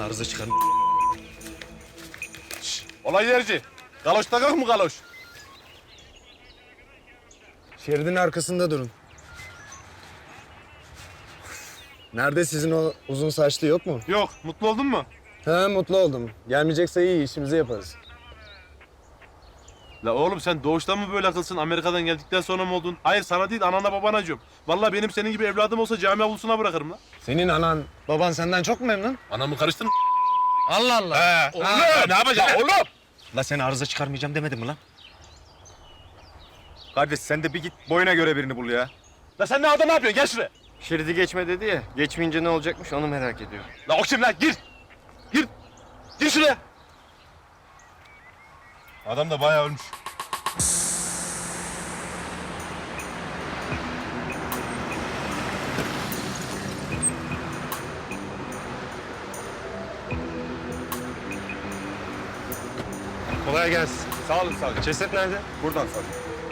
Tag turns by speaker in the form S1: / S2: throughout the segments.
S1: arıza çıkar.
S2: Olay yerci. Galoş takak mı galoş?
S3: Şeridin arkasında durun. Nerede sizin o uzun saçlı yok mu?
S2: Yok. Mutlu oldun mu?
S3: He, mutlu oldum. Gelmeyecekse iyi, işimizi yaparız.
S2: La oğlum sen doğuştan mı böyle akılsın? Amerika'dan geldikten sonra mı oldun? Hayır sana değil anana babana acıyorum. Vallahi benim senin gibi evladım olsa cami avlusuna bırakırım la.
S3: Senin anan, baban senden çok memnun.
S2: Anamı karıştırma.
S3: Allah Allah.
S2: Oğlum ne yapacaksın oğlum?
S1: La seni arıza çıkarmayacağım demedim mi lan?
S4: Kardeş sen de bir git boyuna göre birini bul ya.
S2: La sen ne adam ne yapıyorsun? Gel şuraya.
S4: Şeridi geçme dedi ya. Geçmeyince ne olacakmış onu merak ediyor.
S2: La o kim lan? Gir. Gir. Gir şuraya. Adam da bayağı ölmüş.
S3: Kolay gelsin.
S2: Sağ olun savcı.
S3: Ceset nerede?
S2: Buradan savcı.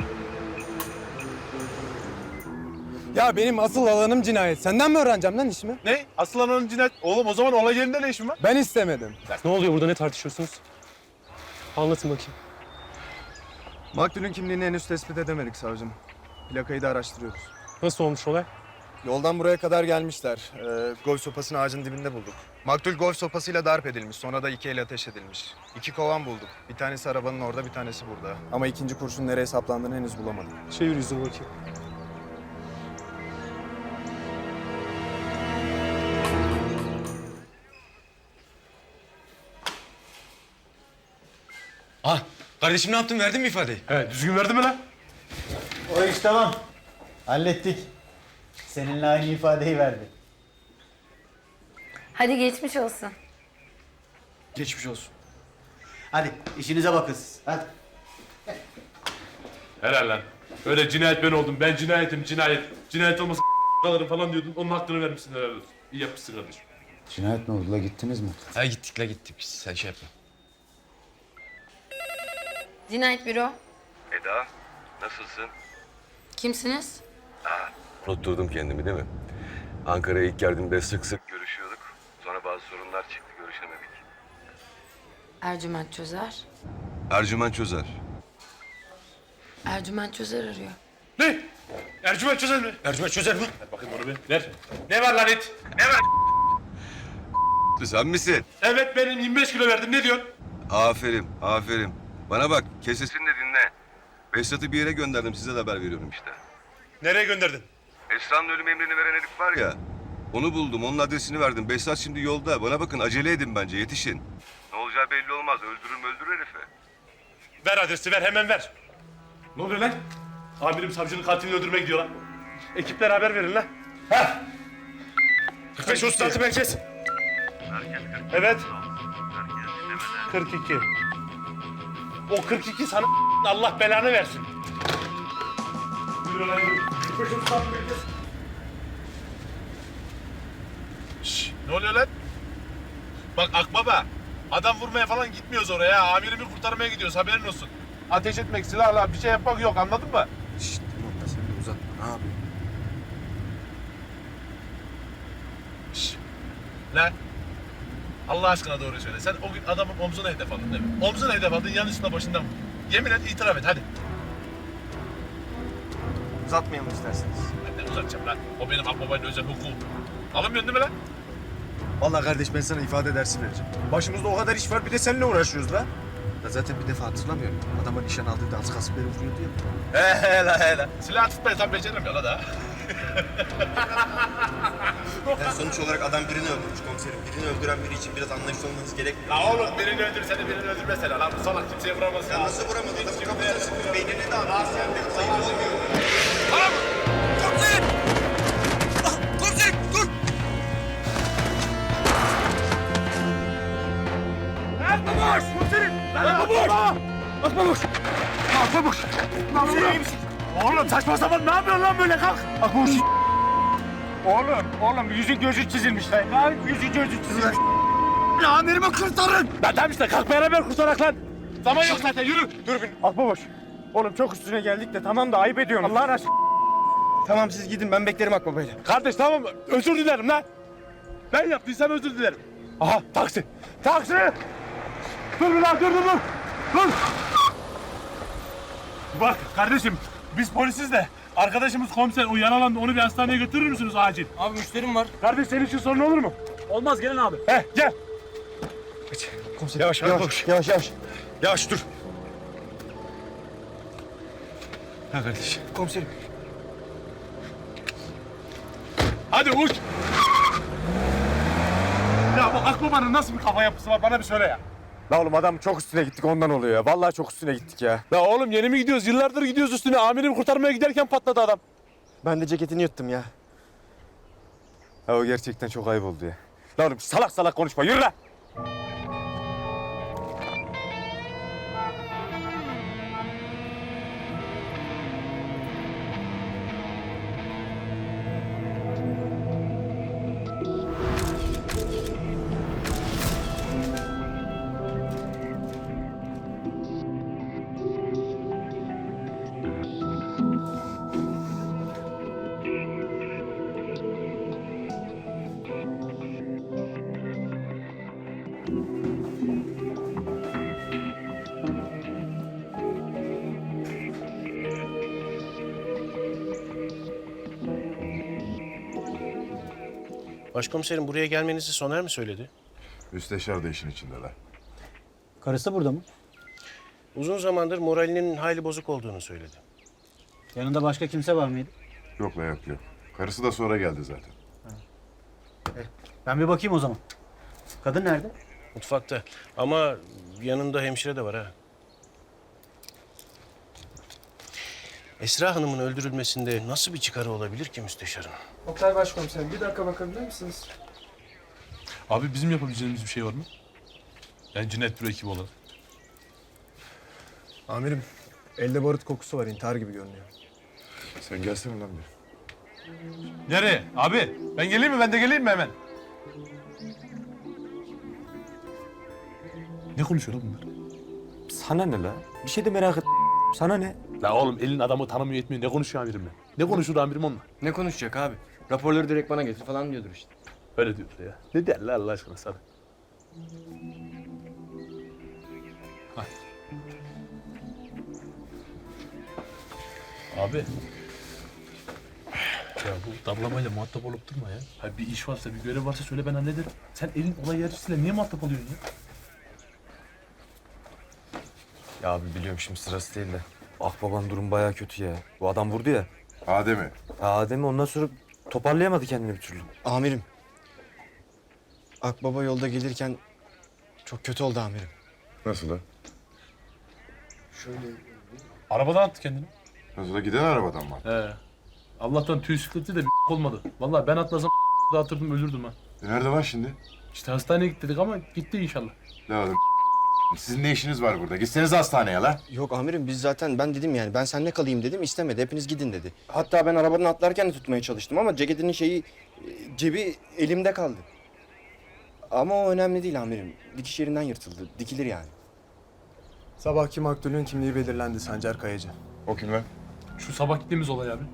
S3: Ya benim asıl alanım cinayet. Senden mi öğreneceğim lan işimi?
S2: Ne? Asıl ananın cinayet. Oğlum o zaman olay yerinde ne işin var?
S3: Ben istemedim.
S5: Ne oluyor burada, ne tartışıyorsunuz? Anlatın bakayım.
S3: Maktulün kimliğini henüz tespit edemedik savcım. Plakayı da araştırıyoruz.
S5: Nasıl olmuş olay?
S3: Yoldan buraya kadar gelmişler. Golf sopasını ağacın dibinde bulduk. Maktul golf sopasıyla darp edilmiş. Sonra da 2 el ateş edilmiş. 2 kovan bulduk. Bir tanesi arabanın orada, bir tanesi burada. Ama ikinci kurşun nereye saplandığını henüz bulamadık.
S5: Çevir yüzünü bakayım.
S1: Ah, kardeşim ne yaptın? Verdin mi ifadeyi?
S2: He düzgün verdi mi lan?
S6: O iş tamam. Hallettik. Seninle aynı ifadeyi verdi.
S7: Hadi geçmiş olsun.
S3: Geçmiş olsun.
S6: Hadi işinize bakın siz. Hadi.
S2: Helal lan. Öyle cinayet ben oldum. Ben cinayetim cinayet. Cinayet olmasa kalırım falan diyordun. Onun hakkını vermişsin helal olsun. İyi yapmışsın kardeşim.
S6: Cinayet ne oldu la, gittiniz mi?
S1: Ha gittik la gittik. Sen şey yapma.
S7: Cinayet büro.
S8: Eda, nasılsın?
S7: Kimsiniz?
S8: Unutturdum kendimi değil mi? Ankara'ya ilk geldiğimde sık sık görüşüyorduk. Sonra bazı sorunlar çıktı, görüşemedik.
S7: Ercüment Çözer.
S8: Ercüment Çözer.
S7: Ercüment Çözer arıyor.
S2: Ne? Ercüment çözer mi?
S1: Ercüment çözer mi?
S2: Ver bakayım onu bir. Ver. Ne var lan it? Ne var?
S8: Sen misin?
S2: Evet benim 25 kilo verdim. Ne diyorsun?
S8: Aferin, aferin. Bana bak, kesesini de dinle. Behzat'ı bir yere gönderdim, size de haber veriyorum işte.
S2: Nereye gönderdin?
S8: Esra'nın ölüm emrini veren herif var ya. Onu buldum, onun adresini verdim. Behzat şimdi yolda. Bana bakın, acele edin bence, yetişin. Ne olacağı belli olmaz, öldürür herifi.
S2: Ver adresi ver hemen ver. Ne oluyor lan? Amirim savcının katilini öldürmeye gidiyor lan. Ekiplere haber verin lan. Heh. 45 36 merkez. Evet. 42. O 42 sana Allah belanı versin. Yürü lan yürü. 45 36 merkez. Şşş, ne oluyor lan? Bak Akbaba, adam vurmaya falan gitmiyoruz oraya. Amirimi kurtarmaya gidiyoruz, haberin olsun. Ateş etmek, silahla bir şey yapmak yok, anladın mı?
S3: Şşt, tamam da sen de uzatma. Ne yapıyorsun?
S2: Şşş. Lan. Allah aşkına doğru söyle. Sen o gün adamın omzuna hedef aldın değil mi? Omzuna hedef aldın, yanlışlıkla başından vurdun. Yemin et, itiraf et, hadi.
S3: Uzatmayalım isterseniz.
S2: Ben de uzatacağım lan. O benim Akbaba'nın özel hukukum. Alınmıyorsun değil mi lan?
S3: Vallahi kardeş ben sana ifade dersi vereceğim. Başımızda o kadar iş var, bir de seninle uğraşıyoruz la. Ya zaten bir defa hatırlamıyorum. Adama nişan aldığında az kasıp beni vuruyordu ya.
S2: Hele. Silah tutmayı tam beceremiyor la da.
S9: Yani sonuç olarak adam birini öldürmüş komiserim. Birini öldüren biri için biraz anlayışlı olmanız gerekmiyor.
S2: La oğlum birini öldürsene, birini öldürmese la. Lan bu salak kimseye vuramaz ya.
S9: Ya nasıl vuramadın? Adamın kafasına sıkmış, beynini de atmış. Yani sayı olmuyor.
S1: Komiserim! Ah, komiserim dur!
S2: Akbabaş! Komiserim! Akbabaş! Akbabaş! Akbabaş! Komiserim iyi misin? Oğlum saçma sapan ne yapıyorsun lan böyle kalk? Akbabaş! Oğlum yüzün gözü çizilmiş lan. Ya yüzün gözü çizilmiş. Amirimi kurtarın! Lan tamam işte kalk beraber kurtarak lan. Zaman yok zaten yürü. Dur bir.
S3: Akbabaş. Oğlum çok üstüne geldik de tamam da ayıp ediyorsun. Allah'ın aşkına. Tamam siz gidin ben beklerim Akbaba'yla.
S2: Kardeş tamam özür dilerim lan. Ben yaptıysam özür dilerim. Aha taksi. Taksi! Dur bir lan dur. Dur. Bak kardeşim biz polisiz de arkadaşımız komiser o yaralandı onu bir hastaneye götürür müsünüz acil?
S1: Abi müşterim var.
S2: Kardeş senin için sorun olur mu? Olmaz gelin abi. Gel.
S8: Yavaş dur.
S1: Ha kardeş.
S2: Hadi uç. Ya bu Akbaba'nın nasıl bir kafa yapısı var bana bir söyle ya.
S3: La oğlum adam çok üstüne gittik ondan oluyor ya. Vallahi çok üstüne gittik ya.
S2: Ya oğlum yeni mi gidiyoruz? Yıllardır gidiyoruz üstüne. Amirimi kurtarmaya giderken patladı adam.
S4: Ben de ceketini yuttum ya.
S3: Ha o gerçekten çok ayıp oldu ya. La oğlum salak salak konuşma yürü lan.
S10: Başkomiserim buraya gelmenizi Soner mi söyledi?
S8: Müsteşar da işin içindeler.
S6: Karısı burada mı?
S10: Uzun zamandır moralinin hayli bozuk olduğunu söyledi.
S6: Yanında başka kimse var mıydı?
S8: Yok. Karısı da sonra geldi zaten.
S6: Ben bir bakayım o zaman. Kadın nerede?
S10: Mutfakta ama yanında hemşire de var ha. Esra Hanım'ın öldürülmesinde nasıl bir çıkarı olabilir ki müsteşarın?
S5: Oktay Başkomiserim bir dakika bakabilir misiniz?
S2: Abi bizim yapabileceğimiz bir şey var mı? Yani cinayet büro ekibi olarak.
S3: Amirim elde barut kokusu var intihar gibi görünüyor.
S8: Sen gelsene lan bir.
S2: Nereye? Abi ben geleyim mi? Ben de geleyim mi hemen? Ne konuşuyor lan bunlar?
S3: Sana ne la? Bir şey de merak et. Sana ne?
S2: La oğlum elin adamı tanımıyor etmiyor. Ne konuşuyor amirim ben? Ne konuşur amirim onunla?
S4: Ne konuşacak abi? Raporları direkt bana getir falan diyordur işte.
S2: Öyle diyor ya. Ne derler Allah aşkına sana? Abi. Ya bu damlamayla muhatap olup durma ya. Hayır bir iş varsa, bir görev varsa söyle ben hallederim. Sen elin olay yarışıyla niye muhatap oluyorsun ya?
S3: Ya abi biliyorum şimdi sırası değil de. Akbaban durum bayağı kötü ya. Bu adam vurdu ya.
S8: Adem'i.
S3: Adem'i ondan sonra toparlayamadı kendini bir türlü.
S4: Amirim. Akbaba yolda gelirken çok kötü oldu amirim.
S8: Nasıl la?
S2: Arabadan attı kendini.
S8: Nasıl la giden arabadan mı?
S2: He. Allah'tan tüy sıkıntı da bir olmadı. Vallahi ben atlasam dağıtırdım ölürdüm ha.
S8: Nerede lan şimdi?
S2: İşte hastaneye git dedik ama gitti inşallah.
S8: La oğlum sizin ne işiniz var burada? Gitseniz hastaneye la.
S4: Yok amirim biz zaten ben dedim yani ben seninle kalayım dedim istemedi hepiniz gidin dedi. Hatta ben arabadan atlarken de tutmaya çalıştım ama ceketinin cebi elimde kaldı. Ama o önemli değil amirim. Dikiş yerinden yırtıldı. Dikilir yani.
S3: Sabahki maktulün kimliği belirlendi Sancar Kayacı.
S8: O kim lan?
S2: Şu sabah gittiğimiz olay abi.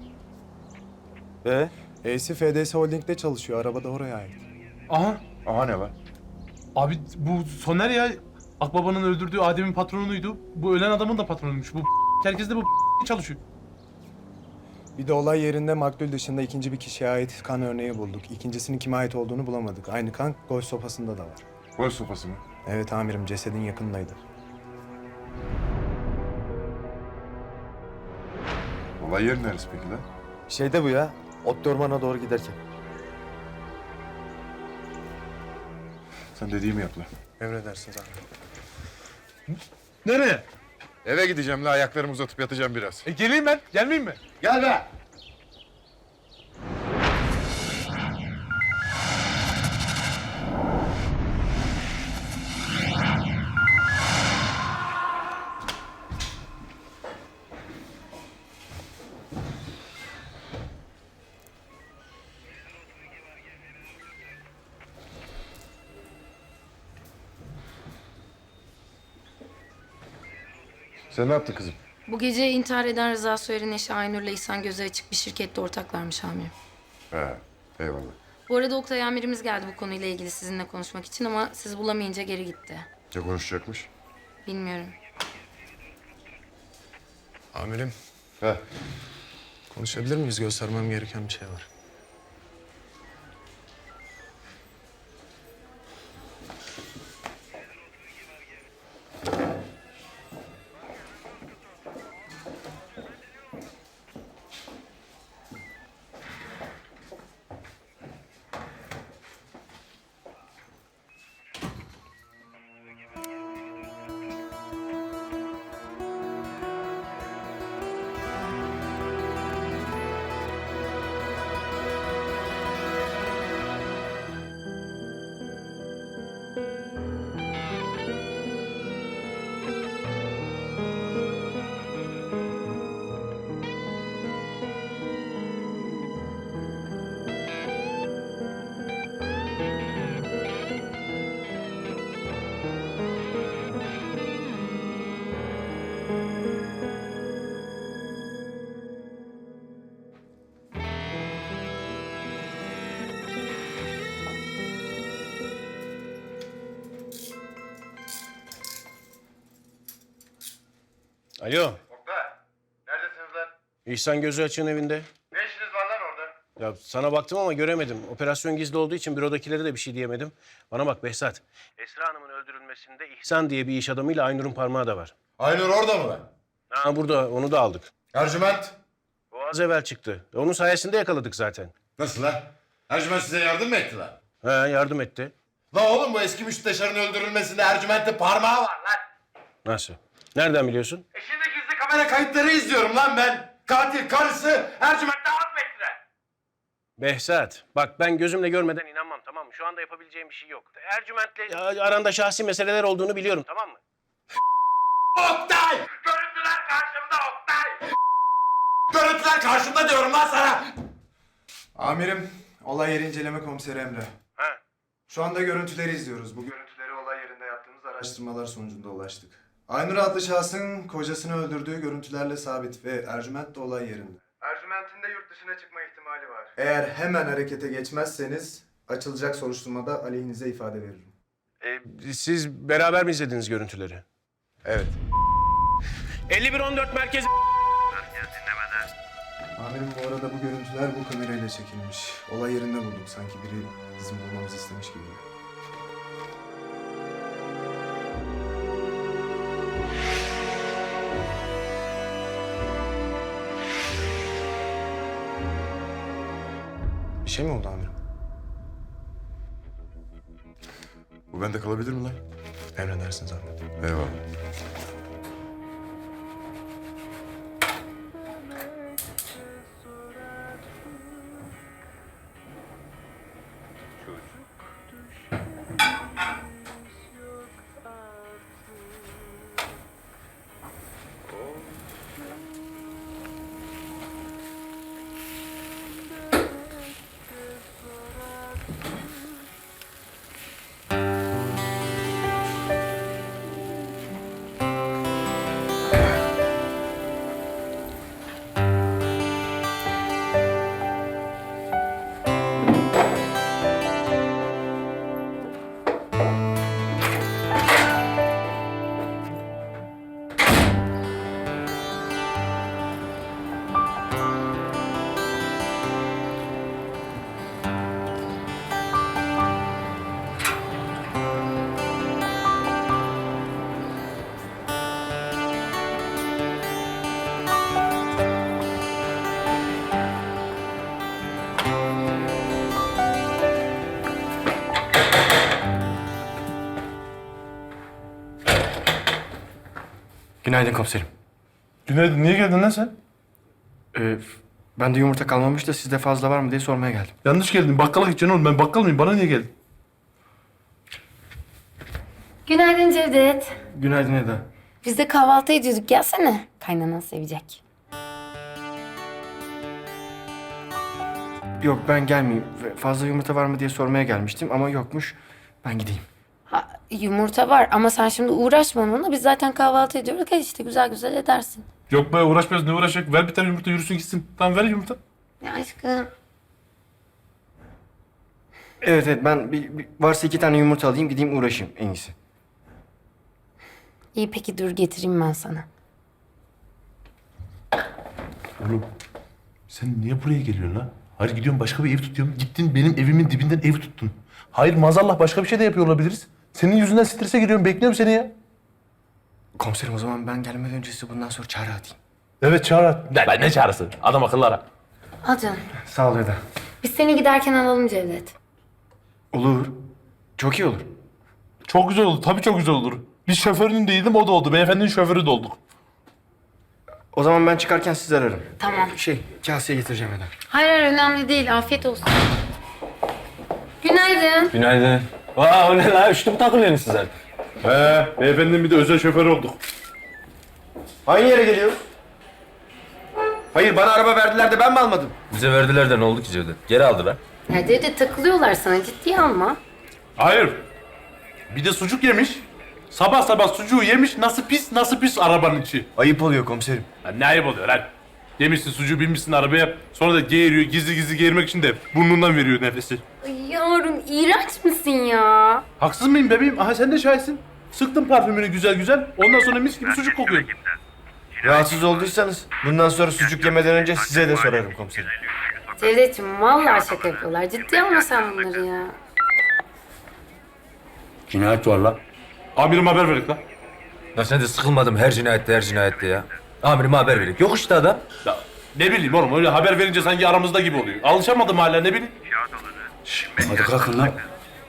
S3: E'si FDS Holding'de çalışıyor. Araba da oraya ait.
S2: Aha.
S8: Aha ne var?
S2: Abi bu Soner ya Akbaba'nın öldürdüğü Adem'in patronuydu. Bu ölen adamın da patronuymuş. Bu herkes de bu çalışıyor.
S3: Bir de olay yerinde maktul dışında ikinci bir kişiye ait kan örneği bulduk. İkincisinin kime ait olduğunu bulamadık. Aynı kan golf sopasında da var.
S8: Gol sopası mı?
S3: Evet amirim cesedin yakınındaydı.
S8: Olay yeri neresi peki lan?
S3: Şeyde bu ya. Ot ormana doğru giderken.
S8: Sen dediğimi yap lan.
S3: Emredersiniz amirim.
S2: Nereye?
S8: Eve gideceğim la ayaklarımı uzatıp yatacağım biraz.
S2: Geleyim ben. Gelmeyeyim mi?
S8: Gel be! Sen ne yaptın kızım?
S7: Bu gece intihar eden Rıza Soyer'in eşi Aynur'la İhsan gözü açık bir şirkette ortaklarmış amirim.
S8: He, eyvallah.
S7: Bu arada Oktay amirimiz geldi bu konuyla ilgili sizinle konuşmak için ama siz bulamayınca geri gitti.
S8: Ne konuşacakmış?
S7: Bilmiyorum.
S3: Amirim,
S8: He.
S3: konuşabilir miyiz? Göstermem gereken bir şey var.
S10: Alo,
S9: Oktay, neredesiniz lan?
S10: İhsan Gözü Açık'ın evinde.
S9: Ne işiniz var lan orada?
S10: Ya sana baktım ama göremedim. Operasyon gizli olduğu için bürodakilere de bir şey diyemedim. Bana bak Behzat. Esra Hanım'ın öldürülmesinde İhsan diye bir iş adamıyla Aynur'un parmağı da var.
S9: Aynur orada mı lan?
S10: Ha burada, onu da aldık.
S9: Ercüment.
S10: O az evvel çıktı. Onun sayesinde yakaladık zaten.
S9: Nasıl lan? Ercüment size yardım mı etti lan?
S10: Ha yardım etti.
S9: La oğlum bu eski müsteşarın öldürülmesinde Ercüment'te parmağı var lan.
S10: Nasıl? Nereden biliyorsun?
S9: Şimdi gizli kamera kayıtları izliyorum lan ben. Katil karısı Ercüment'te az mı ettiler?
S10: Behzat, bak ben gözümle görmeden inanmam, tamam mı? Şu anda yapabileceğim bir şey yok. Ercüment'le aranda şahsi meseleler olduğunu biliyorum, tamam mı?
S9: Oktay! Görüntüler karşımda Oktay! Görüntüler karşımda diyorum lan sana!
S3: Amirim, olay yeri inceleme komiseri Emre.
S10: Ha.
S3: Şu anda görüntüleri izliyoruz. Bu görüntüleri olay yerinde yaptığımız araştırmalar sonucunda ulaştık. Aynur adlı şahsın kocasını öldürdüğü görüntülerle sabit ve Ercüment de olay yerinde. Ercüment'in de yurt dışına çıkma ihtimali var. Eğer hemen harekete geçmezseniz açılacak soruşturmada aleyhinize ifade veririm.
S10: Siz beraber mi izlediniz görüntüleri?
S3: Evet.
S10: 51-14 merkez...
S3: Amirim bu arada bu görüntüler bu kamerayla çekilmiş. Olay yerinde bulduk. Sanki biri bizim bulmamızı istemiş gibi. Bir şey mi oldu amirim?
S8: Bu bende kalabilir mi lan?
S3: Emredersiniz amirim.
S8: Eyvallah.
S4: Günaydın komiserim.
S2: Günaydın, niye geldin lan sen?
S4: Ben de yumurta kalmamış da sizde fazla var mı diye sormaya geldim.
S2: Yanlış geldin, bakkala gideceksin oğlum. Ben bakkal mıyım? Bana niye geldin?
S7: Günaydın Cevdet.
S4: Günaydın Eda.
S7: Biz de kahvaltı ediyorduk. Gelsene. Kaynanan sevecek.
S4: Yok ben gelmeyeyim. Fazla yumurta var mı diye sormaya gelmiştim ama yokmuş. Ben gideyim.
S7: Ha, yumurta var ama sen şimdi uğraşma onunla. Biz zaten kahvaltı ediyoruz. Gel işte güzel güzel edersin.
S2: Yok be, uğraşmıyoruz, ne uğraşacak? Ver bir tane yumurta, yürüsün gitsin. Tamam, ver yumurta.
S7: Ya aşkım.
S4: Evet ben varsa 2 tane yumurta alayım gideyim uğraşayım en iyisi.
S7: İyi peki dur getireyim ben sana.
S2: Oğlum sen niye buraya geliyorsun lan? Hayır gidiyorum başka bir ev tutuyorum. Gittin benim evimin dibinden ev tuttun. Hayır maazallah başka bir şey de yapıyor olabiliriz. Senin yüzünden strese giriyorum. Bekliyorum seni ya.
S4: Komiserim o zaman ben gelmeden önce size bundan sonra çağrı atayım.
S2: Evet çağır. Ne çağrısı? Adam akıllı ara.
S7: Al canım.
S4: Sağ ol Eda.
S7: Biz seni giderken alalım Cevdet.
S4: Olur. Çok iyi olur.
S2: Çok güzel oldu. Tabii çok güzel olur. Biz şoförünün değildim o da oldu. Beyefendinin şoförü de olduk.
S4: O zaman ben çıkarken sizi ararım.
S7: Tamam.
S4: Kaseye getireceğim Eda.
S7: Hayır hayır önemli değil. Afiyet olsun. Günaydın.
S1: Günaydın. Vaa o ne la? Üçlü mü takılıyorsunuz siz artık?
S2: Beyefendinin bir de özel şoförü olduk.
S4: Aynı yere geliyor. Hayır bana araba verdiler de ben mi almadım?
S1: Bize verdiler de ne oldu ki Cevdet? Geri aldılar.
S7: Ya Cevdet takılıyorlar sana ciddiye alma.
S2: Hayır. Bir de sucuk yemiş. Sabah sabah sucuğu yemiş. Nasıl pis arabanın içi.
S4: Ayıp oluyor komiserim.
S2: Ya ne ayıp oluyor lan? Yemişsin sucuğu binmişsin arabaya. Sonra da geğiriyor. Gizli gizli geğirmek için de burnundan veriyor nefesi.
S7: Ay yavrum iğrenç misin ya?
S2: Haksız mıyım bebeğim? Aha sen de şahitsin. Sıktım parfümünü güzel güzel. Ondan sonra mis gibi sucuk kokuyor.
S4: Rahatsız olduysanız bundan sonra sucuk yemeden önce size de sorarım komiserim.
S7: Cevdet'ciğim vallahi şaka yapıyorlar. Ciddiye alma sen bunları ya.
S1: Cinayet var la.
S2: Amirim haber verin lan.
S1: Ya sen de sıkılmadım her cinayette ya. Amirime haber verin. Yok işte adam.
S2: Ya ne bileyim oğlum öyle haber verince sanki aramızda gibi oluyor. Alışamadım hala ne bileyim.
S1: Hadi kalkın lan.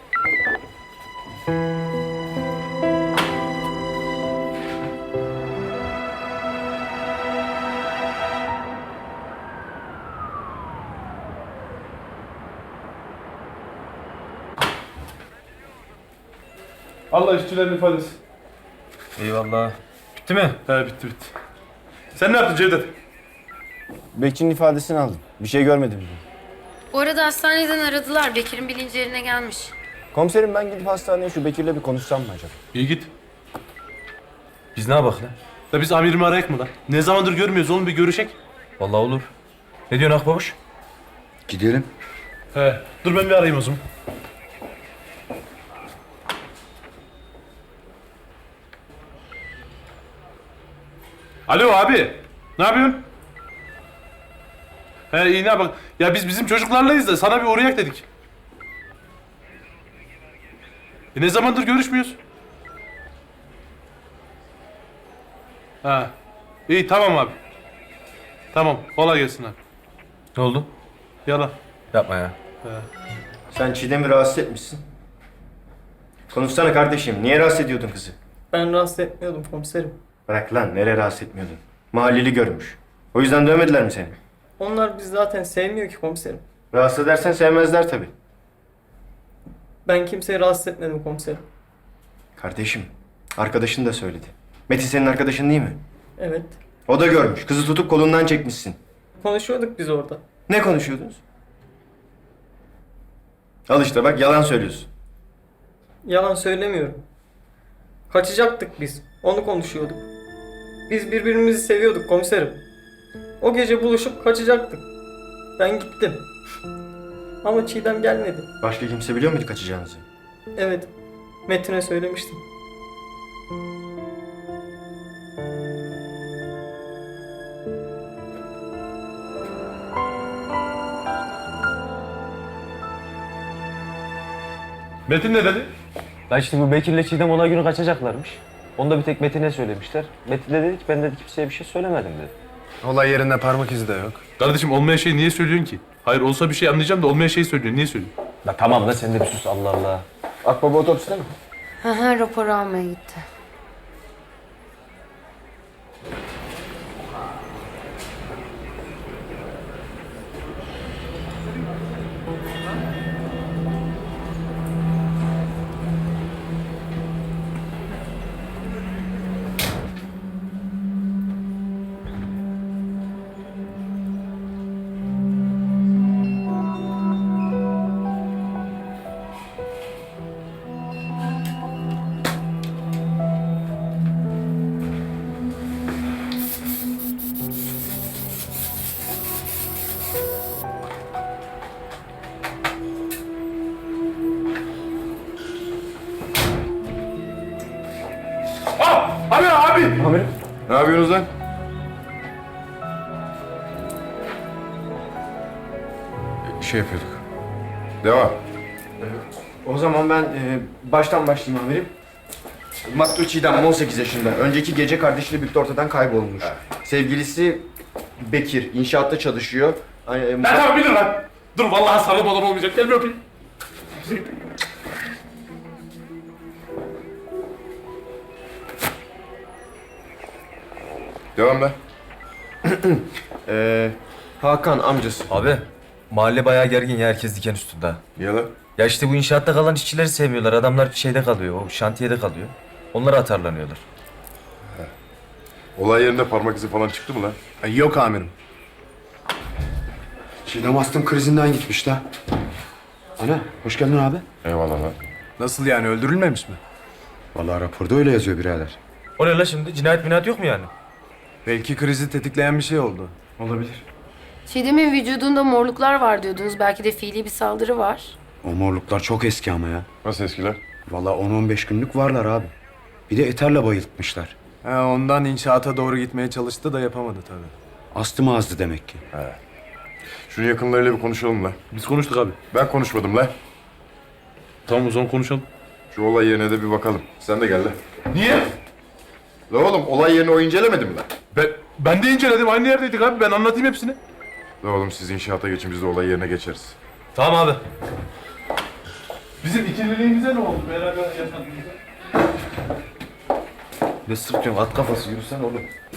S2: Allah işçilerin ifadesi.
S1: Eyvallah. Bitti mi?
S2: He bitti. Sen ne yaptın Cevdet?
S4: Bekçinin ifadesini aldım. Bir şey görmedim.
S7: Bu arada hastaneden aradılar. Bekir'in bilinci yerine gelmiş.
S4: Komiserim ben gidip hastaneye şu Bekir'le bir konuşsam mı acaba?
S2: İyi git.
S1: Biz ne yapak lan?
S2: Ya biz amirimi arayak mı lan? Ne zamandır görmüyoruz oğlum bir görüşek.
S1: Vallahi olur. Ne diyorsun Akbabuş?
S8: Gidelim.
S2: He dur ben bir arayayım o zaman. Alo abi. Ne yapıyorsun? He iyi ne yapalım? Ya biz bizim çocuklarlayız da sana bir uğrayak dedik. Ne zamandır görüşmüyoruz? Ha. İyi tamam abi. Tamam kolay gelsin abi.
S1: Ne oldu?
S2: Yala.
S1: Yapma ya.
S4: Sen Çiğdem'i rahatsız etmişsin. Konuşsana kardeşim. Niye rahatsız ediyordun kızı?
S5: Ben rahatsız etmiyordum komiserim.
S4: Bırak lan. Nereye rahatsız etmiyordun? Mahalleli görmüş. O yüzden dövmediler mi seni?
S5: Onlar bizi zaten sevmiyor ki komiserim.
S4: Rahatsız edersen sevmezler tabii.
S5: Ben kimseyi rahatsız etmedim komiserim.
S4: Kardeşim. Arkadaşın da söyledi. Metin senin arkadaşın değil mi?
S5: Evet.
S4: O da görmüş. Kızı tutup kolundan çekmişsin.
S5: Konuşuyorduk biz orada.
S4: Ne konuşuyordunuz? Al işte bak yalan söylüyorsun.
S5: Yalan söylemiyorum. Kaçacaktık biz. Onu konuşuyorduk. Biz birbirimizi seviyorduk komiserim. O gece buluşup kaçacaktık. Ben gittim. Ama Çiğdem gelmedi.
S4: Başka kimse biliyor muydu kaçacağınızı?
S5: Evet. Metin'e söylemiştim.
S2: Metin ne dedi?
S11: Lan işte bu Bekir'le Çiğdem olay günü kaçacaklarmış. Onu da bir tek Metin'e söylemişler. Metin de dedi ki ben de kimseye bir şey söylemedim dedi.
S3: Olay yerinde parmak izi de yok.
S2: Kardeşim olmayan şeyi niye söylüyorsun ki? Hayır olsa bir şey anlayacağım da olmayan şeyi söylüyorsun. Niye söylüyorsun?
S11: La tamam da sen de bir sus Allah Allah.
S4: Akbaba otopside mi?
S7: Hı hı raporu almaya gitti.
S8: yapıyorsunuz lan? Şey yapıyorduk. Devam.
S4: O zaman ben baştan başlayayım amirim. Maktul Çiğdem 18 yaşında. Önceki gece kardeşiyle birlikte ortadan kaybolmuş. Sevgilisi Bekir inşaatta çalışıyor.
S2: Ben tamam bilirim lan. Dur vallahi sarılım adam olmayacak. Gel bir öpeyim.
S8: Devam be.
S4: Hakan amcası.
S1: Abi mahalle bayağı gergin ya, herkes diken üstünde.
S8: Niye lan?
S1: Ya işte bu inşaatta kalan işçileri sevmiyorlar. Adamlar şeyde kalıyor, o şantiyede kalıyor. Onlara atarlanıyorlar.
S8: Olay yerinde parmak izi falan çıktı mı lan?
S3: Yok amirim.
S4: Çiğdem astım krizinden gitmiş la. Ana hoş geldin abi.
S8: Eyvallah lan.
S3: Nasıl yani, öldürülmemiş mi?
S4: Vallahi raporda öyle yazıyor birader.
S1: O ne la şimdi? Cinayet minayet yok mu yani?
S3: Belki krizi tetikleyen bir şey oldu.
S4: Olabilir.
S7: Çiğdem'in vücudunda morluklar var diyordunuz. Belki de fiili bir saldırı var.
S4: O morluklar çok eski ama ya.
S8: Nasıl eskiler?
S4: Vallahi 10-15 günlük varlar abi. Bir de eterle bayıltmışlar.
S3: Ondan inşaata doğru gitmeye çalıştı da yapamadı tabii.
S4: Astım azdı demek ki.
S8: Şunu yakınlarıyla bir konuşalım lan.
S2: Biz konuştuk abi.
S8: Ben konuşmadım lan.
S2: Tamam o zaman konuşalım.
S8: Şu olay yerine de bir bakalım. Sen de gel lan.
S2: Niye?
S8: La oğlum olay yerini o incelemedi mi lan?
S2: Ben de inceledim. Aynı yerdeydik abi. Ben anlatayım hepsini.
S8: La oğlum siz inşaata geçin, biz de olay yerine geçeriz.
S1: Tamam abi.
S2: Bizim ikililiğimize ne oldu? Beraber yaşadığımızda.
S1: Ne sırtıyorsun? At kafası, yürüsen oğlum.